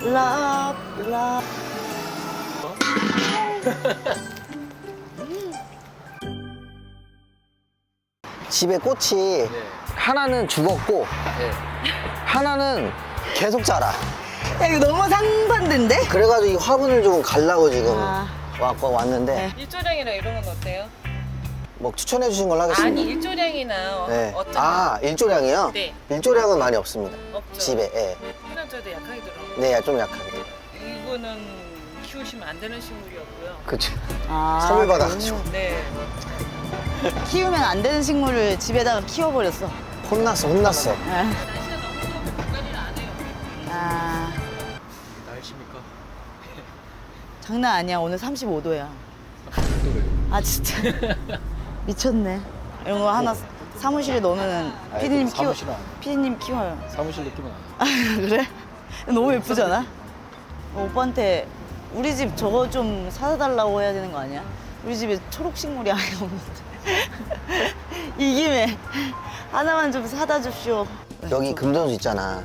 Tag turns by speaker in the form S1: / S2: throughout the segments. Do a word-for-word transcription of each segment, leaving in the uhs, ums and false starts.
S1: love, love.
S2: 집에 꽃이
S3: 네.
S2: 하나는 죽었고
S3: 네.
S2: 하나는 계속 자라.
S1: 야, 이거 너무 상반된데?
S2: 그래가지고 이 화분을 좀 갈라고 지금
S1: 아.
S2: 와, 왔는데
S1: 네.
S4: 일조량이나 이런 건 어때요?
S2: 뭐 추천해 주신 걸로 하겠습니다.
S4: 아니 일조량이나 어,
S2: 네.
S4: 어떤
S2: 아 일조량이요?
S4: 네.
S2: 일조량은 많이 없습니다.
S4: 없죠.
S2: 집에. 예.
S4: 흔한저도 약하게 들어가고
S2: 네, 좀 약하게.
S4: 이거는 키우시면 안 되는 식물이었고요.
S2: 그쵸.
S1: 아,
S2: 선물 받아가지고.
S4: 네.
S1: 키우면 안 되는 식물을 집에다가 키워버렸어.
S2: 혼났어, 혼났어.
S1: 아,
S4: 날씨가 너무 더워서 관리를 안 해요.
S1: 아,
S3: 날씨입니까?
S1: 장난 아니야. 오늘 삼십오 도야.
S3: 또 왜요?
S1: 아, 진짜. 미쳤네. 이런 거 하나 사무실에 넣으면
S3: 아이,
S1: 피디님
S3: 그
S1: 키워.
S3: 사무실은 안 해.
S1: 피디님 키워요.
S3: 사무실 느낌은
S1: 아,
S3: 안
S1: 그래? 너무 예쁘지 않아? 어, 오빠한테 우리 집 저거 좀 사다 달라고 해야 되는 거 아니야? 우리 집에 초록 식물이 아예 없는데. 이 김에 하나만 좀 사다 줍시오.
S2: 여기 금전수 있잖아.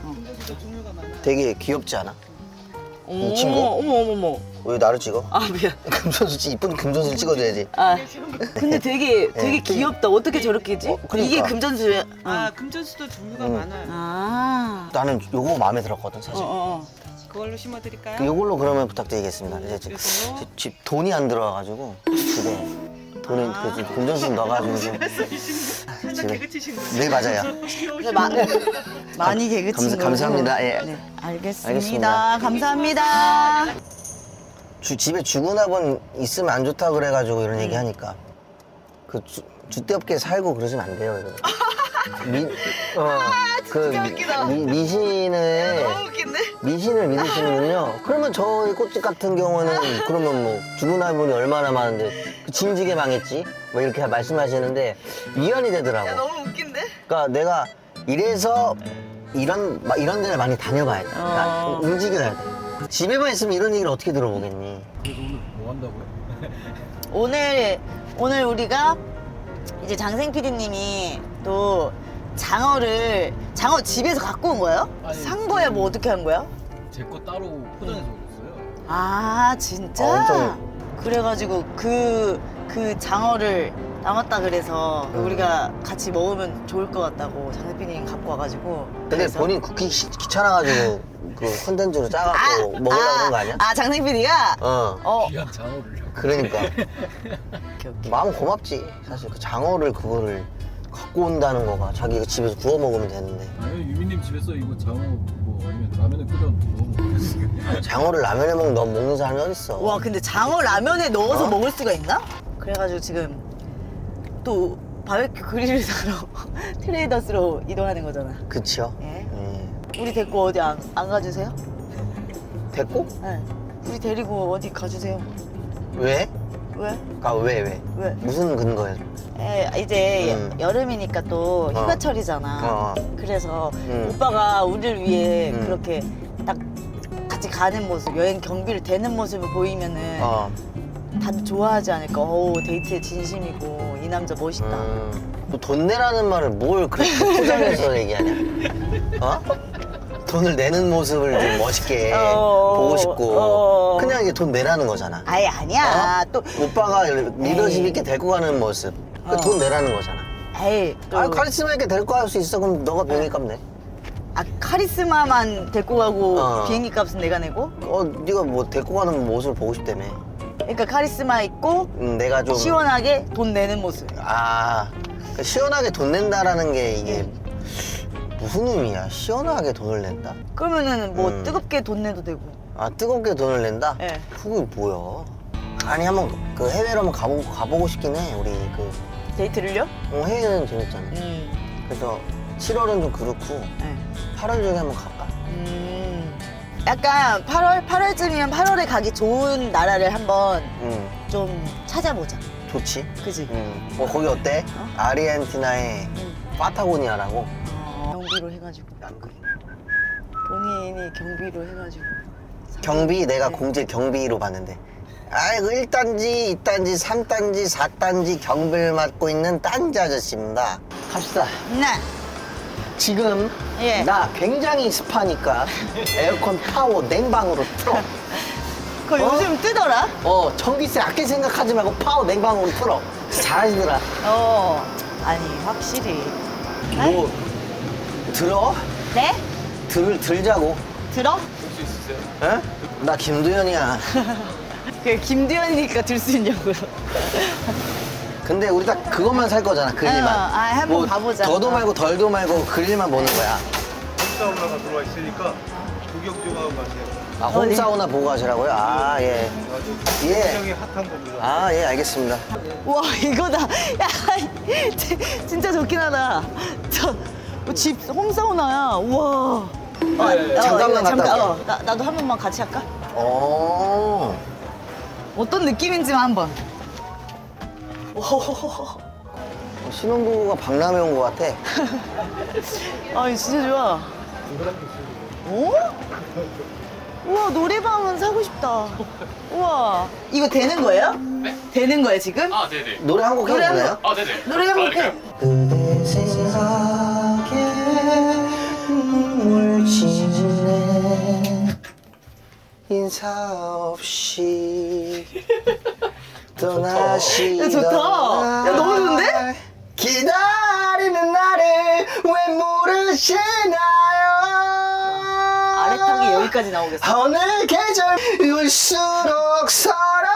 S2: 되게 귀엽지 않아?
S1: 어머,
S2: 이 친구?
S1: 어머, 어머, 어머.
S2: 왜 나를 찍어?
S1: 아, 미안.
S2: 금전수, 찍- 이쁜 금전수를 찍어줘야지.
S1: 아, 근데 되게, 되게
S2: 네.
S1: 귀엽다. 어떻게 저렇게 했지?
S2: 어, 그러니까.
S1: 이게 금전수야.
S4: 아 금전수도 종류가
S2: 음.
S4: 많아요.
S1: 아.
S2: 나는 요거 마음에 들었거든,
S1: 어,
S2: 사실.
S1: 어, 어.
S4: 그걸로 심어드릴까요?
S2: 요걸로 그러면 부탁드리겠습니다. 이제 집,
S4: 그리고?
S2: 집- 집 돈이 안 들어와가지고 집에 돈이
S1: 아.
S2: 그 집 금전수 넣어가지고 좀
S4: 살짝 개그치신 거.
S2: 네 맞아요.
S1: 근데 마, 많이 개그친
S2: 감사-
S1: 거고.
S2: 감사합니다. 예.
S1: 네, 알겠습니다.
S2: 알겠습니다.
S1: 감사합니다.
S2: 주, 집에 주군합은 있으면 안 좋다 그래가지고 이런 얘기 하니까 그 주, 주대없게 살고 그러시면 안 돼요. 이거. 미, 어, 그 미, 미신을
S1: 웃긴데?
S2: 미신을 믿으시는군요. 그러면 저희 꽃집 같은 경우는 그러면 뭐 주문할분이 얼마나 많은데 그 진지게 망했지? 뭐 이렇게 말씀하시는데 위안이 되더라고.
S1: 너무 웃긴데?
S2: 그러니까 내가 이래서 이런 마- 이런 데를 많이 다녀봐야 돼. 그러니까
S1: 어.
S2: 움직여야 돼. 집에만 있으면 이런 얘기를 어떻게 들어보겠니?
S3: 그래서 오늘 뭐 한다고요?
S1: 오늘 오늘 우리가 이제 장생 피디님이 또 장어를 장어 집에서 갖고 온 거예요?
S3: 아니,
S1: 산 거야? 뭐 어떻게 한 거야?
S3: 제 거 따로 포장해서 오셨어요.
S1: 아 진짜?
S2: 어, 엄청-
S1: 그래가지고 그, 그 장어를 남았다 그래서
S2: 음.
S1: 우리가 같이 먹으면 좋을 것 같다고 장생 피디님 갖고 와가지고
S2: 근데
S1: 그래서-
S2: 본인 굽기 귀- 귀찮아가지고 그 컨텐츠로 짜갖고 먹으려고 그런 거 아니야?
S1: 아 장생 피디가?
S2: 어.
S1: 어
S3: 귀한 장어를.
S2: 그러니까
S1: 오케이, 오케이.
S2: 마음 고맙지. 사실 그 장어를 그거를 갖고 온다는 거가 자기가 집에서 구워 먹으면 되는데
S3: 아니, 유미님 집에서 이거 장어 뭐 아니면 라면에 끓여 넣어 먹으면
S2: 장어를 라면에 먹, 너 먹는 사람이 어딨어.
S1: 와 근데 장어 라면에 넣어서
S2: 어?
S1: 먹을 수가 있나? 그래가지고 지금 또 바베큐 그릴을 사러 트레이더스로 이동하는 거잖아.
S2: 그치요?
S1: 예.
S2: 예.
S1: 우리 데리고 어디 안, 안 가주세요?
S2: 됐고?
S1: 네. 우리 데리고 어디 가주세요.
S2: 왜?
S1: 왜?
S2: 아, 왜, 왜?
S1: 왜?
S2: 무슨 근거에?
S1: 에, 이제
S2: 음.
S1: 여- 여름이니까 또
S2: 어.
S1: 휴가철이잖아.
S2: 어.
S1: 그래서
S2: 음.
S1: 오빠가 우리를 위해
S2: 음.
S1: 그렇게 딱 같이 가는 모습, 여행 경비를 대는 모습을 보이면은
S2: 어.
S1: 다들 좋아하지 않을까. 어우 데이트에 진심이고 이 남자 멋있다.
S2: 음. 또 돈 내라는 말을 뭘 그렇게 포장해서 얘기하냐? 어? 돈을 내는 모습을 좀 멋있게
S1: 어.
S2: 보고 싶고
S1: 어.
S2: 그냥 이게 돈 내라는 거잖아.
S1: 아예 아니야.
S2: 어?
S1: 또
S2: 오빠가 리더십
S1: 에이.
S2: 있게 데리고 가는 모습. 그
S1: 어.
S2: 돈 내라는 거잖아.
S1: 에이 또
S2: 아, 카리스마 있게 데리고 갈 수 있어. 그럼 너가 비행기 값 내.
S1: 아, 카리스마만 데리고 가고
S2: 어.
S1: 비행기 값은 내가 내고?
S2: 어, 네가 뭐 데리고 가는 모습을 보고 싶다며.
S1: 그러니까 카리스마 있고
S2: 음, 내가 좀
S1: 시원하게 돈 내는 모습.
S2: 아, 그러니까 시원하게 돈 낸다라는 게 이게 무슨 의미야? 시원하게 돈을 낸다?
S1: 그러면은 뭐
S2: 음.
S1: 뜨겁게 돈 내도 되고.
S2: 아, 뜨겁게 돈을 낸다?
S1: 예.
S2: 그게 뭐야? 아니, 한번 그 해외로 한번 가보고, 가보고 싶긴 해. 우리 그,
S1: 데이트를요?
S2: 어, 해외는 재밌잖아.
S1: 음.
S2: 그래서 칠월은 좀 그렇고,
S1: 네.
S2: 팔월 중에 한번 갈까?
S1: 음. 약간 팔월, 팔월쯤이면 팔월에 가기 좋은 나라를 한번
S2: 응,
S1: 좀 찾아보자.
S2: 좋지.
S1: 그지?
S2: 응. 뭐, 거기 어때?
S1: 어?
S2: 아르헨티나의
S1: 응.
S2: 파타고니아라고.
S1: 어, 경비로 해가지고. 본인이 경비로 해가지고.
S2: 경비 내가
S1: 네.
S2: 공지 경비로 봤는데 아이고 일 단지, 이 단지, 삼 단지, 사 단지 경비를 맡고 있는 딴지 아저씨입니다. 갑시다.
S1: 네.
S2: 지금
S1: 예.
S2: 나 굉장히 습하니까 에어컨 파워 냉방으로 틀어.
S1: 그거
S2: 어?
S1: 요즘 뜨더라?
S2: 어, 전기세 아낄 생각하지 말고 파워 냉방으로 틀어. 잘하시더라.
S1: 어. 아니, 확실히.
S2: 뭐, 들어?
S1: 네?
S2: 들, 들자고.
S1: 들어?
S3: 볼수 있으세요?
S2: 에? 나 김두현이야.
S1: 그 김두현이니까 들 수 있냐고요.
S2: 근데 우리 딱 그것만 살 거잖아, 그릴만.
S1: 어, 아, 한번 봐보자.
S2: 더도 말고 덜도 말고 그릴만 보는 거야.
S5: 홈사우나가 들어와 있으니까 구경 좀 하고 가세요.
S2: 아,
S1: 어디?
S2: 홈사우나 보고 가시라고요? 아, 예.
S5: 아주
S2: 예.
S5: 굉장히 핫한 겁니다.
S2: 아, 예, 알겠습니다.
S1: 와, 이거다. 야, 지- 진짜 좋긴 하다. 저, 뭐 집 홈사우나야. 우와. 어,
S3: 네,
S2: 잠깐만
S1: 이거
S2: 갔다 올게.
S1: 어, 나, 나도 한 번만 같이 할까?
S2: 어.
S1: 어떤 느낌인지만 한 번. 오,
S2: 신혼부부가 박람회 온 것 같아.
S1: 아, 진짜 좋아. 오? 우와, 노래방은 사고 싶다. 우와. 이거 되는 거예요? 네. 되는 거예요, 지금?
S6: 아, 네네.
S2: 노래 한 곡 해도
S1: 노래 한
S2: 되나요?
S6: 아, 네네.
S1: 노래 한 곡 해.
S2: 그대 생각에 눈물 짓네 인사 없이 떠나시던
S1: 야, 좋다. 야, 너무 좋은데?
S2: 기다리는 나를 왜 모르시나요?
S1: 아래 타기 여기까지 나오겠어.
S2: 어느 계절 울수록 서러워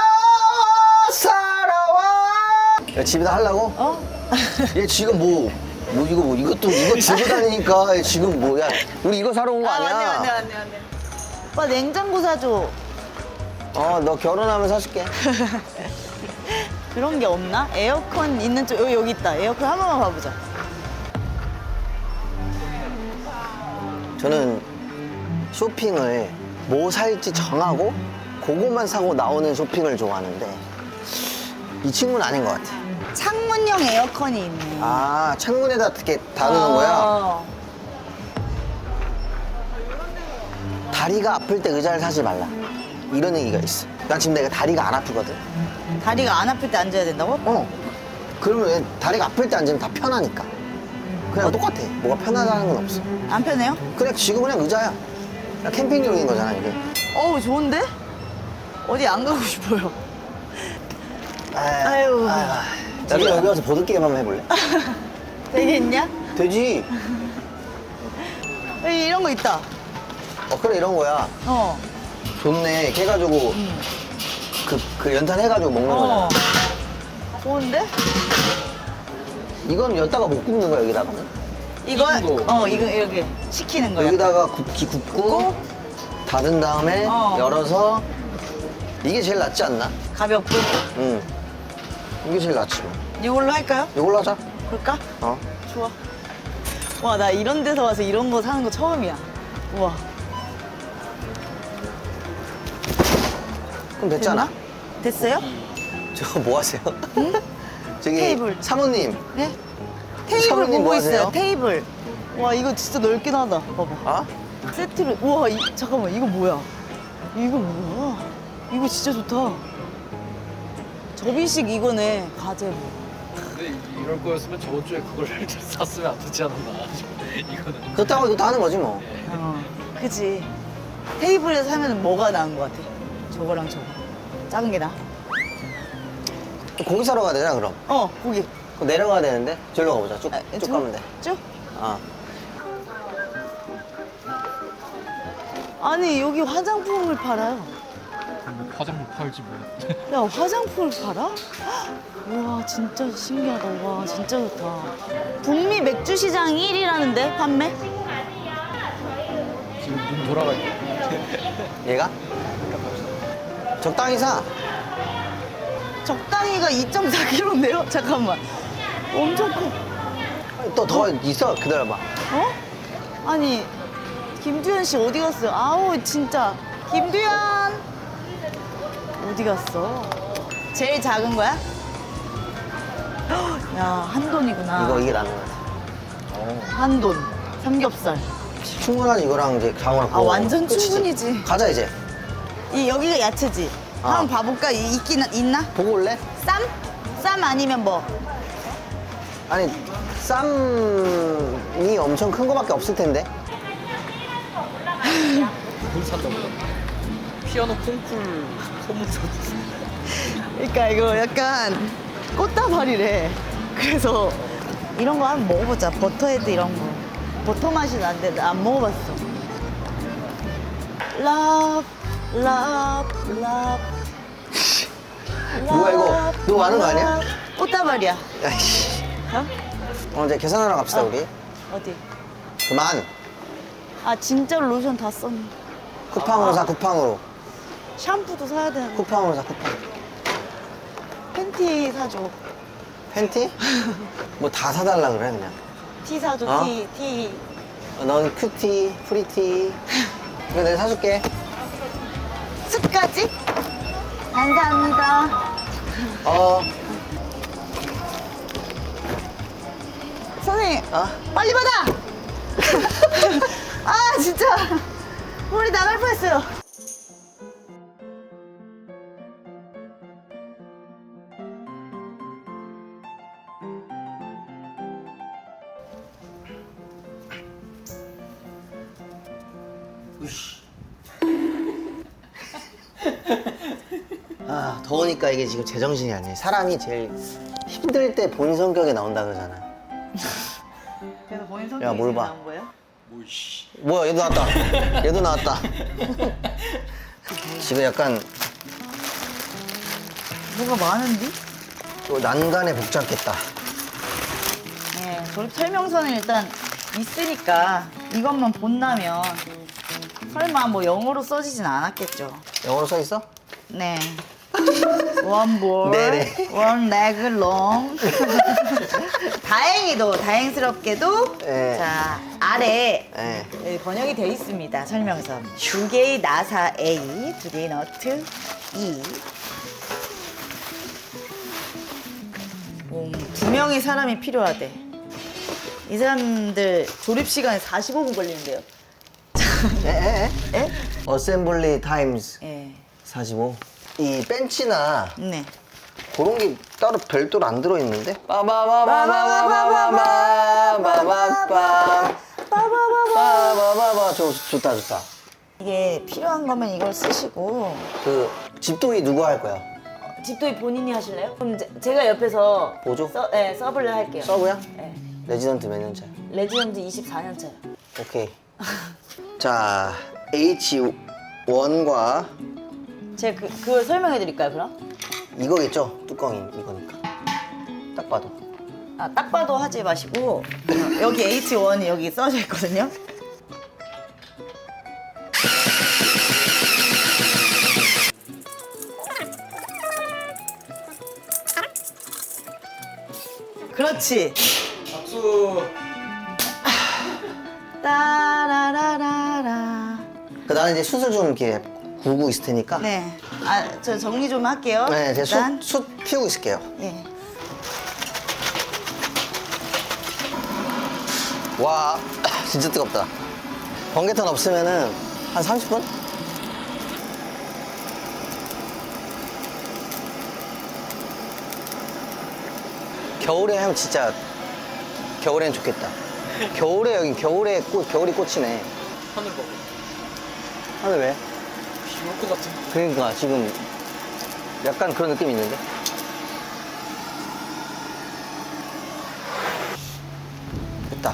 S2: 서러워 야, 집에다 하려고?
S1: 어?
S2: 얘 지금 뭐, 뭐 이거 뭐 이것도 이거 들고 다니니까 얘 지금 뭐야? 우리 이거 사러 온 거
S1: 아,
S2: 아니야?
S1: 맞네, 맞네, 맞네, 맞네. 오빠, 냉장고 사줘.
S2: 어, 너 결혼하면 사줄게.
S1: 그런 게 없나? 에어컨 있는 쪽, 여기, 여기 있다. 에어컨 한 번만 봐보자.
S2: 저는 쇼핑을 뭐 살지 정하고 그거만 사고 나오는 쇼핑을 좋아하는데 이 친구는 아닌 것 같아.
S1: 창문형 에어컨이 있네.
S2: 아, 창문에다 이렇게 다루는 거야?
S1: 어.
S2: 다리가 아플 때 의자를 사지 말라. 이런 얘기가 있어. 난 지금 내가 다리가 안 아프거든.
S1: 다리가 안 아플 때 앉아야 된다고?
S2: 어. 그러면 왜 다리가 아플 때 앉으면 다 편하니까. 그냥 똑같아. 뭐가 편하다는 건 없어.
S1: 안 편해요?
S2: 그냥 지금 그냥 의자야. 그냥 캠핑용인 거잖아, 이게.
S1: 어우, 좋은데? 어디 안 가고 싶어요.
S2: 아유.
S1: 아유.
S2: 나도 여기 와서 보드게임 한번 해볼래?
S1: 되겠냐?
S2: 되지.
S1: 여기 이런 거 있다.
S2: 어, 그래, 이런 거야.
S1: 어.
S2: 좋네. 이렇게 해가지고, 그, 그 연탄 해가지고 먹는
S1: 어.
S2: 거잖아.
S1: 좋은데?
S2: 이건 여기다가 못 굽는 거야, 여기다가는.
S1: 이거,
S3: 익은 거.
S1: 어, 이거 이렇게 식히는 거야.
S2: 여기다가 굽기 굽고, 닫은 다음에
S1: 어.
S2: 열어서, 이게 제일 낫지 않나?
S1: 가볍고.
S2: 응. 이게 제일 낫지 뭐.
S1: 이걸로 할까요?
S2: 이걸로 하자.
S1: 그럴까?
S2: 어.
S1: 좋아. 와, 나 이런 데서 와서 이런 거 사는 거 처음이야. 우와.
S2: 그럼 됐잖아.
S1: 됐어요?
S2: 저거 뭐 하세요? 저기
S1: 테이블.
S2: 사모님.
S1: 네? 테이블
S2: 사모님
S1: 보고
S2: 뭐
S1: 있어요.
S2: 하세요?
S1: 테이블. 와, 이거 진짜 넓긴 하다. 봐봐.
S2: 아?
S1: 세트를. 우와, 이, 잠깐만. 이거 뭐야? 이거 뭐야? 이거 진짜 좋다. 접이식 이거네. 가재로.
S3: 근데 이럴 거였으면 저번 주에 그걸 샀으면 안 되지 않았나 싶어. 이거는.
S2: 그렇다고 이것도 하는 거지 뭐.
S1: 어, 그지. 테이블에서 사면 뭐가 나은 것 같아? 저거랑 저거. 작은 게 나아?
S2: 고기 사러 가야 되잖아 그럼.
S1: 어, 고기.
S2: 그럼 내려가야 되는데 저기로 가보자. 쭉,
S1: 아,
S2: 쭉
S1: 저-
S2: 가면 돼.
S1: 쭉?
S2: 아.
S1: 아니, 여기 화장품을 팔아요.
S3: 뭐 화장품 팔지 뭐.
S1: 야, 화장품을 팔아? 와, 진짜 신기하다. 와, 진짜 좋다. 북미 맥주 시장 일 위라는데, 판매?
S3: 지금 눈 돌아가 있네.
S2: 얘가? 적당히 사.
S1: 적당히가 이 점 사 킬로그램인데요? 잠깐만. 엄청 커.
S2: 또 더 있어. 기다려봐.
S1: 어? 아니, 김두현 씨 어디 갔어요? 아우, 진짜. 김두현! 어디 갔어? 제일 작은 거야? 헉, 야, 한돈이구나.
S2: 이거 이게 나는 거 같아.
S1: 한돈. 삼겹살.
S2: 충분한 이거랑 이제 장어랑
S1: 아, 완전 충분이지.
S2: 가자 이제.
S1: 이, 여기가 야채지?
S2: 어.
S1: 한번 봐볼까? 이, 있긴, 있나?
S2: 보고 올래?
S1: 쌈? 쌈 아니면 뭐?
S2: 아니 쌈이 엄청 큰 거밖에 없을 텐데.
S3: 뭘 산다고요? 피아노 콩쿨 소문서.
S1: 그러니까 이거 약간 꽃다발이래. 그래서 이런 거 한번 먹어보자. 버터헤드 이런 거. 버터 맛이 나는데 나 안 먹어봤어. 러브, 러브, 러브.
S2: 뭐야, 이거? 너무 많은 거 아니야?
S1: 꽃다발이야.
S2: 야이씨.
S1: 어?
S2: 어, 이제 계산하러 갑시다,
S1: 어.
S2: 우리.
S1: 어디?
S2: 그만.
S1: 아 진짜로 로션 다 썼네.
S2: 쿠팡으로 사, 쿠팡으로.
S1: 샴푸도 사야 되는데.
S2: 쿠팡으로 사, 쿠팡.
S1: 팬티 사줘.
S2: 팬티? 뭐 다 사달라 그래, 그냥.
S1: 티 사줘.
S2: 어?
S1: 티, 티.
S2: 어, 넌 큐티, 프리티. 이거 내가 사줄게.
S1: 습까지? 감사합니다.
S2: 어.
S1: 선생님,
S2: 어?
S1: 빨리 받아! 아, 진짜. 머리 나갈 뻔했어요.
S2: 아, 더우니까 이게 지금 제정신이 아니에요. 사람이 제일 힘들 때 본 성격이 나온다 그러잖아.
S1: 그래서 본인
S2: 야,
S1: 성격이
S2: 뭘
S1: 지금
S2: 봐.
S1: 나온 거예요?
S3: 뭐이씨.
S2: 뭐야, 얘도 나왔다. 얘도 나왔다. 지금 약간
S1: 뭐가 많은데?
S2: 또 난간에 복잡했다.
S1: 네, 조립 설명서는 일단 있으니까 이것만 본다면 설마 뭐 영어로 써지진 않았겠죠.
S2: 영어로 써 있어?
S1: 네. One ball,
S2: 네네.
S1: one leg long. 다행히도, 다행스럽게도,
S2: 네.
S1: 자, 아래
S2: 네.
S1: 네, 번역이 돼 있습니다. 설명서. 두 개의 나사 A, 두 개의 너트 E. 음, 두 명의 사람이 필요하대. 이 사람들 조립 시간에 사십오 분 걸리는데요.
S2: 에, 에, 에?
S1: 에?
S2: 어셈블리 타임즈
S1: 예.
S2: 사십오. 이 벤치나
S1: 네.
S2: 그런 게 따로 별도로 안 들어있는데? 빠바바바바바바바바바바 빠바바바 좋, 좋다 좋다.
S1: 이게 필요한 거면 이걸 쓰시고
S2: 그 집도이 누구 할 거야?
S1: 집도이 본인이 하실래요? 그럼 제, 제가 옆에서
S2: 보조?
S1: 서, 네, 서블을 할게요.
S2: 서브야?
S1: 네.
S2: 레지던트 몇 년 차야?
S1: 레지던트 이십사 년 차요.
S2: 오케이. 자, 에이치 원과
S1: 제가 그, 그걸 설명해 드릴까요, 그럼?
S2: 이거겠죠? 뚜껑이 이거니까. 딱 봐도.
S1: 아, 딱 봐도 하지 마시고 여기 에이치 원이 여기 써져 있거든요. 그렇지.
S3: 박수.
S1: 따라라라라.
S2: 그 나는 이제 숯을 좀 이렇게 구우고 있을 테니까.
S1: 네. 아, 저 정리 좀 할게요.
S2: 네, 제가
S1: 일단.
S2: 숯, 숯 피우고 있을게요.
S1: 예.
S2: 와, 진짜 뜨겁다. 번개탄 없으면은 한 삼십 분? 겨울에 하면 진짜 겨울엔 좋겠다. 겨울에 여기 겨울에 꽃 겨울이 꽃이네.
S3: 하늘 봐.
S2: 하늘 왜?
S3: 비올 것 같은.
S2: 그러니까 지금 약간 그런 느낌이 있는데. 됐다.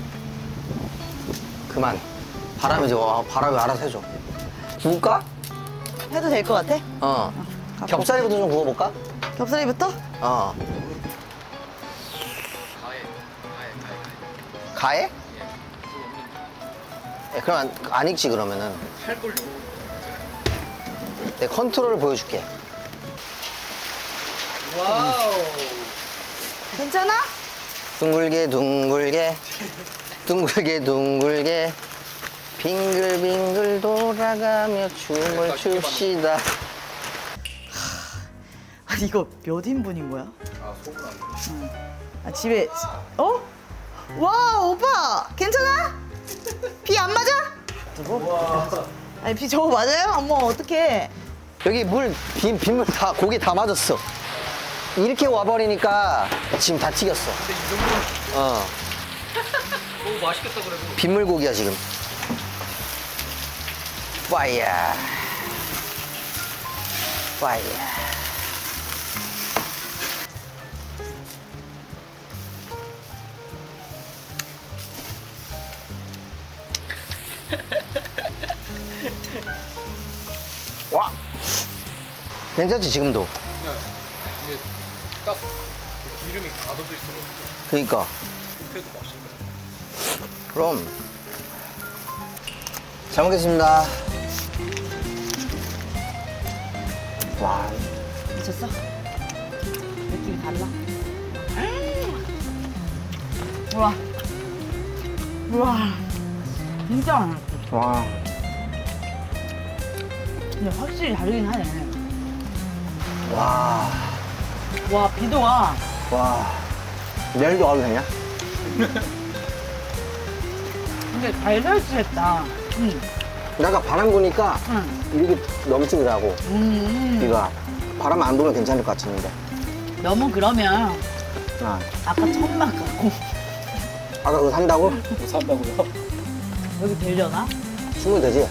S2: 그만. 바람이 와 바람이 알아서 해줘. 구울까?
S1: 해도 될 것 같아?
S2: 어. 겹살이부터 좀 구워볼까?
S1: 겹살이부터?
S2: 어.
S3: 가해. 가해. 가해.
S2: 가해?
S3: 가해. 그거 없는.
S2: 예, 그럼 안, 안 익지 그러면은.
S3: 할 걸요.
S2: 내 컨트롤을 보여줄게.
S3: 와우.
S1: 괜찮아?
S2: 둥글게 둥글게 둥글게 둥글게 빙글빙글 돌아가며 춤을 춥시다.
S1: 아, 이거 몇 인분인 거야?
S3: 아 속은 안 돼.
S1: 아, 집에 어? 와, 오빠 괜찮아? 비 안 맞아? 저거? 아니 비 저거 맞아요? 어머 어떡해.
S2: 여기 물 빈, 빗물 다 고기 다 맞았어. 이렇게 와버리니까 지금 다 튀겼어.
S3: 근데 이 정도는
S2: 어.
S3: 너무 맛있겠다 그래도.
S2: 빗물고기야 지금. 와이야. 와이야. 와. 괜찮지 지금도.
S3: 그냥 이게 딱 기름이 가둬져 있어가지고
S2: 그러니까.
S3: 굽혀도 맛있네.
S2: 그럼. 잘 먹겠습니다. 와.
S1: 미쳤어? 느낌이 달라. 우와. 우와. 진짜 맛있어.
S2: 와.
S1: 근데 확실히 다르긴 하네.
S2: 와.
S1: 와, 비도가.
S2: 와. 내일도 가도 되냐?
S1: 근데 잘 설치했다. 응.
S2: 내가 바람 부니까
S1: 응.
S2: 이렇게 넘치더라고.
S1: 음.
S2: 비가. 바람 안 불면 괜찮을 것 같은데.
S1: 너무 그러면
S2: 아.
S1: 아까 천막 갖고
S2: 아까 그거 산다고?
S3: 뭐 산다고요?
S1: 여기 되려나?
S2: 충분히 되지?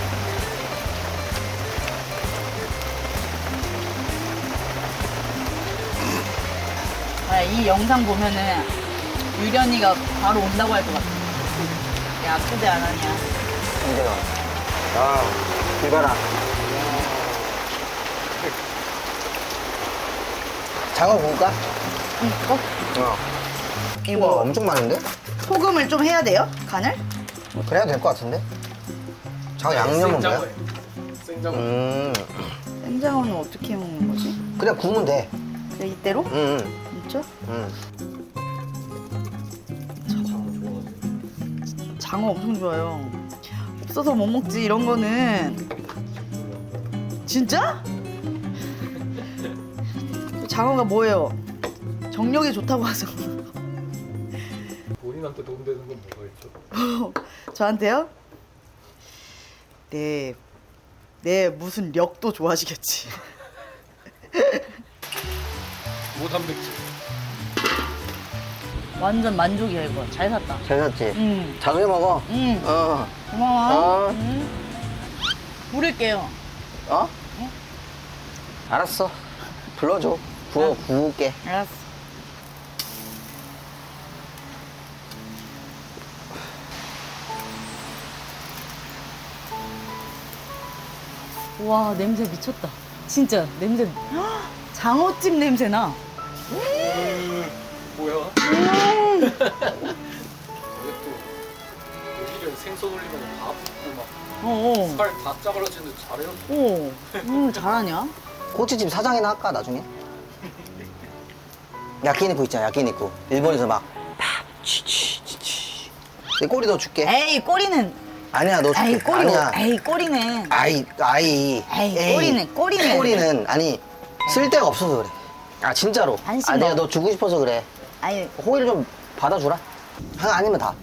S1: 아, 이 영상 보면은 유련이가 바로 온다고 할 것 같아. 야, 초대 안 하냐?
S2: 이제가. 아, 비 봐라. 장어 구울까?
S1: 응, 어?
S2: 어. 우와,
S1: 이거
S2: 엄청 많은데?
S1: 소금을 좀 해야 돼요? 간을?
S2: 그래야 될 것 같은데? 장어 양념은 뭐야?
S3: 생장어예요. 생장어.
S2: 음,
S1: 생장어는 어떻게 먹는 거지?
S2: 그냥 구우면 돼.
S1: 그냥 이대로?
S2: 응, 응,
S1: 진짜?
S2: 응.
S1: 장어 엄청 좋아요. 없어서 못 먹지 이런 거는. 진짜? 장어가 뭐예요? 정력이 좋다고 하죠.
S3: 본인한테 도움되는 건 뭐가 있죠?
S1: 저한테요? 네, 네 무슨 력도 좋아지겠지.
S3: 고단백질.
S1: 완전 만족이야 이거. 잘 샀다.
S2: 잘 샀지?
S1: 응.
S2: 자주 해 먹어.
S1: 응.
S2: 어.
S1: 고마워.
S2: 어.
S1: 응. 부를게요.
S2: 어? 알았어. 불러줘. 구워, 구울게.
S1: 알았어. 와 냄새 미쳤다. 진짜 냄새. 헉, 장어찜 냄새 나.
S3: 뭐야?
S1: 음.
S3: 이게 또 고기를 생선 올리면 다 붓고 막
S1: 어.
S3: 살 다 짜발라지는데 잘해요.
S1: 어. 음 잘하냐?
S2: 꼬치집 사장이나 할까, 나중에? 야끼니쿠 있잖아, 야끼니쿠. 일본에서 막, 팍, 치치, 치치. 내 꼬리 너 줄게.
S1: 에이 꼬리는.
S2: 아니야, 너 줄게.
S1: 에이 꼬리.
S2: 아니야.
S1: 에이 꼬리는.
S2: 아이, 아이.
S1: 에이, 꼬리는, 꼬리는.
S2: 꼬리는, 아니, 쓸 데가 없어서 그래. 아, 진짜로.
S1: 안심
S2: 아, 내가
S1: 먹어.
S2: 너 주고 싶어서 그래.
S1: 아니
S2: 호의를 좀 받아주라. 하나 아니면 다.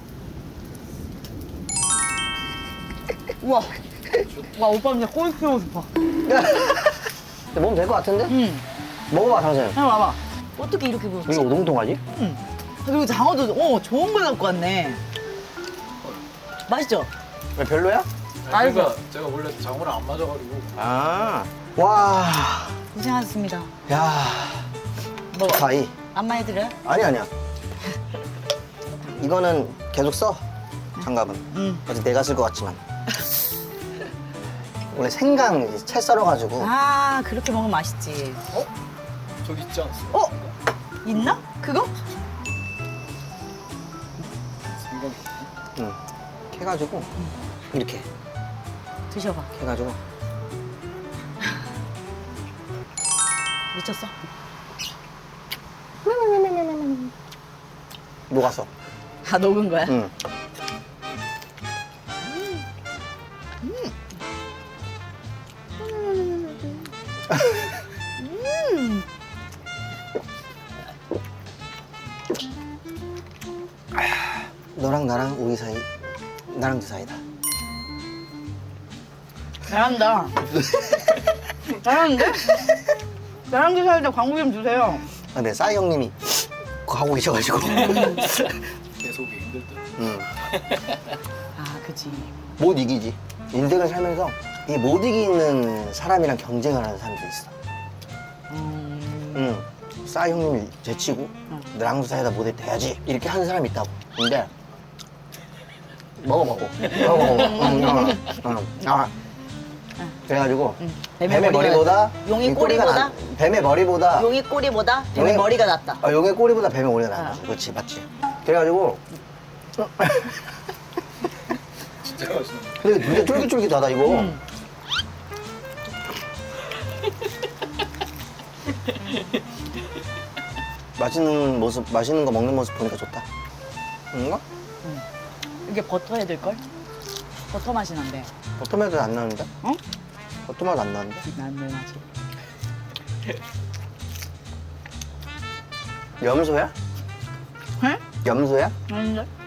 S1: 우와. 와 오빠 진짜 꼬리 키우고 싶어.
S2: 먹으면 될 것 같은데?
S1: 응.
S2: 먹어봐, 당신.
S1: 형 봐봐. 어떻게 이렇게 부었지?
S2: 이거 우동통하지?
S1: 응. 그리고 장어도 어 좋은 걸 갖고 왔네. 맛있죠?
S2: 왜 별로야?
S3: 아니, 그러니까 제가 원래 장어를 안 맞아가지고
S2: 아. 와.
S1: 고생하셨습니다.
S2: 야.
S1: 뭐
S2: 가이.
S1: 안마 해드려요?
S2: 아니, 아니야. 이거는 계속 써. 장갑은.
S1: 응.
S2: 어제 내가 쓸 것 같지만. 원래 생강 이제 채 썰어가지고.
S1: 아 그렇게 먹으면 맛있지.
S3: 어? 저기 있지 않았어요?
S1: 어? 있나? 그거?
S3: 생각이
S2: 응. 해가지고. 이렇게.
S1: 드셔봐.
S2: 해가지고.
S1: 미쳤어?
S2: 녹았어.
S1: 다 녹은 거야?
S2: 응. 너랑 나랑 우리 사이, 나랑 그 사이다.
S1: 잘한다. 잘하는데? 나랑 드실 때 광고 좀 주세요.
S2: 아, 네, 싸이 형님이 그거 하고 계셔가지고.
S3: 계속 힘들다.
S2: 음,
S1: 아, 그치.
S2: 못 이기지. 인생을 살면서 이 못 이기는 사람이랑 경쟁을 하는 사람도 있어.
S1: 음.
S2: 응. 싸이 형님이 제치고 나랑 사이다 못했다 해야지. 이렇게 하는 사람이 있다고. 근데 먹어 먹어. 먹어 먹어. 응, 응, 응. 아. 그래가지고
S1: 뱀의
S2: 뱀의,
S1: 머리가
S2: 머리보다
S1: 용의
S2: 이 꼬리가
S1: 꼬리보다?
S2: 나- 뱀의 머리보다
S1: 용의 꼬리보다 뱀의
S2: 용의-
S1: 머리가 낫다.
S2: 아, 용의 꼬리보다 뱀의 머리가 나아.
S1: 아.
S2: 그렇지, 맞지. 그래가지고
S3: 진짜 맛있는
S2: 근데 진짜 쫄깃쫄깃하다 이거.
S1: 음.
S2: 맛있는 모습, 맛있는 거 먹는 모습 보니까 좋다. 응가?
S1: 이게 버터 해야 될걸? 버터 맛이 난대.
S2: 버터맛은 안 나는데?
S1: 어?
S2: 버터맛 안 나는데?
S1: 난내 맛이.
S2: 염소야?
S1: 응?
S2: 염소야?
S1: 아닌데?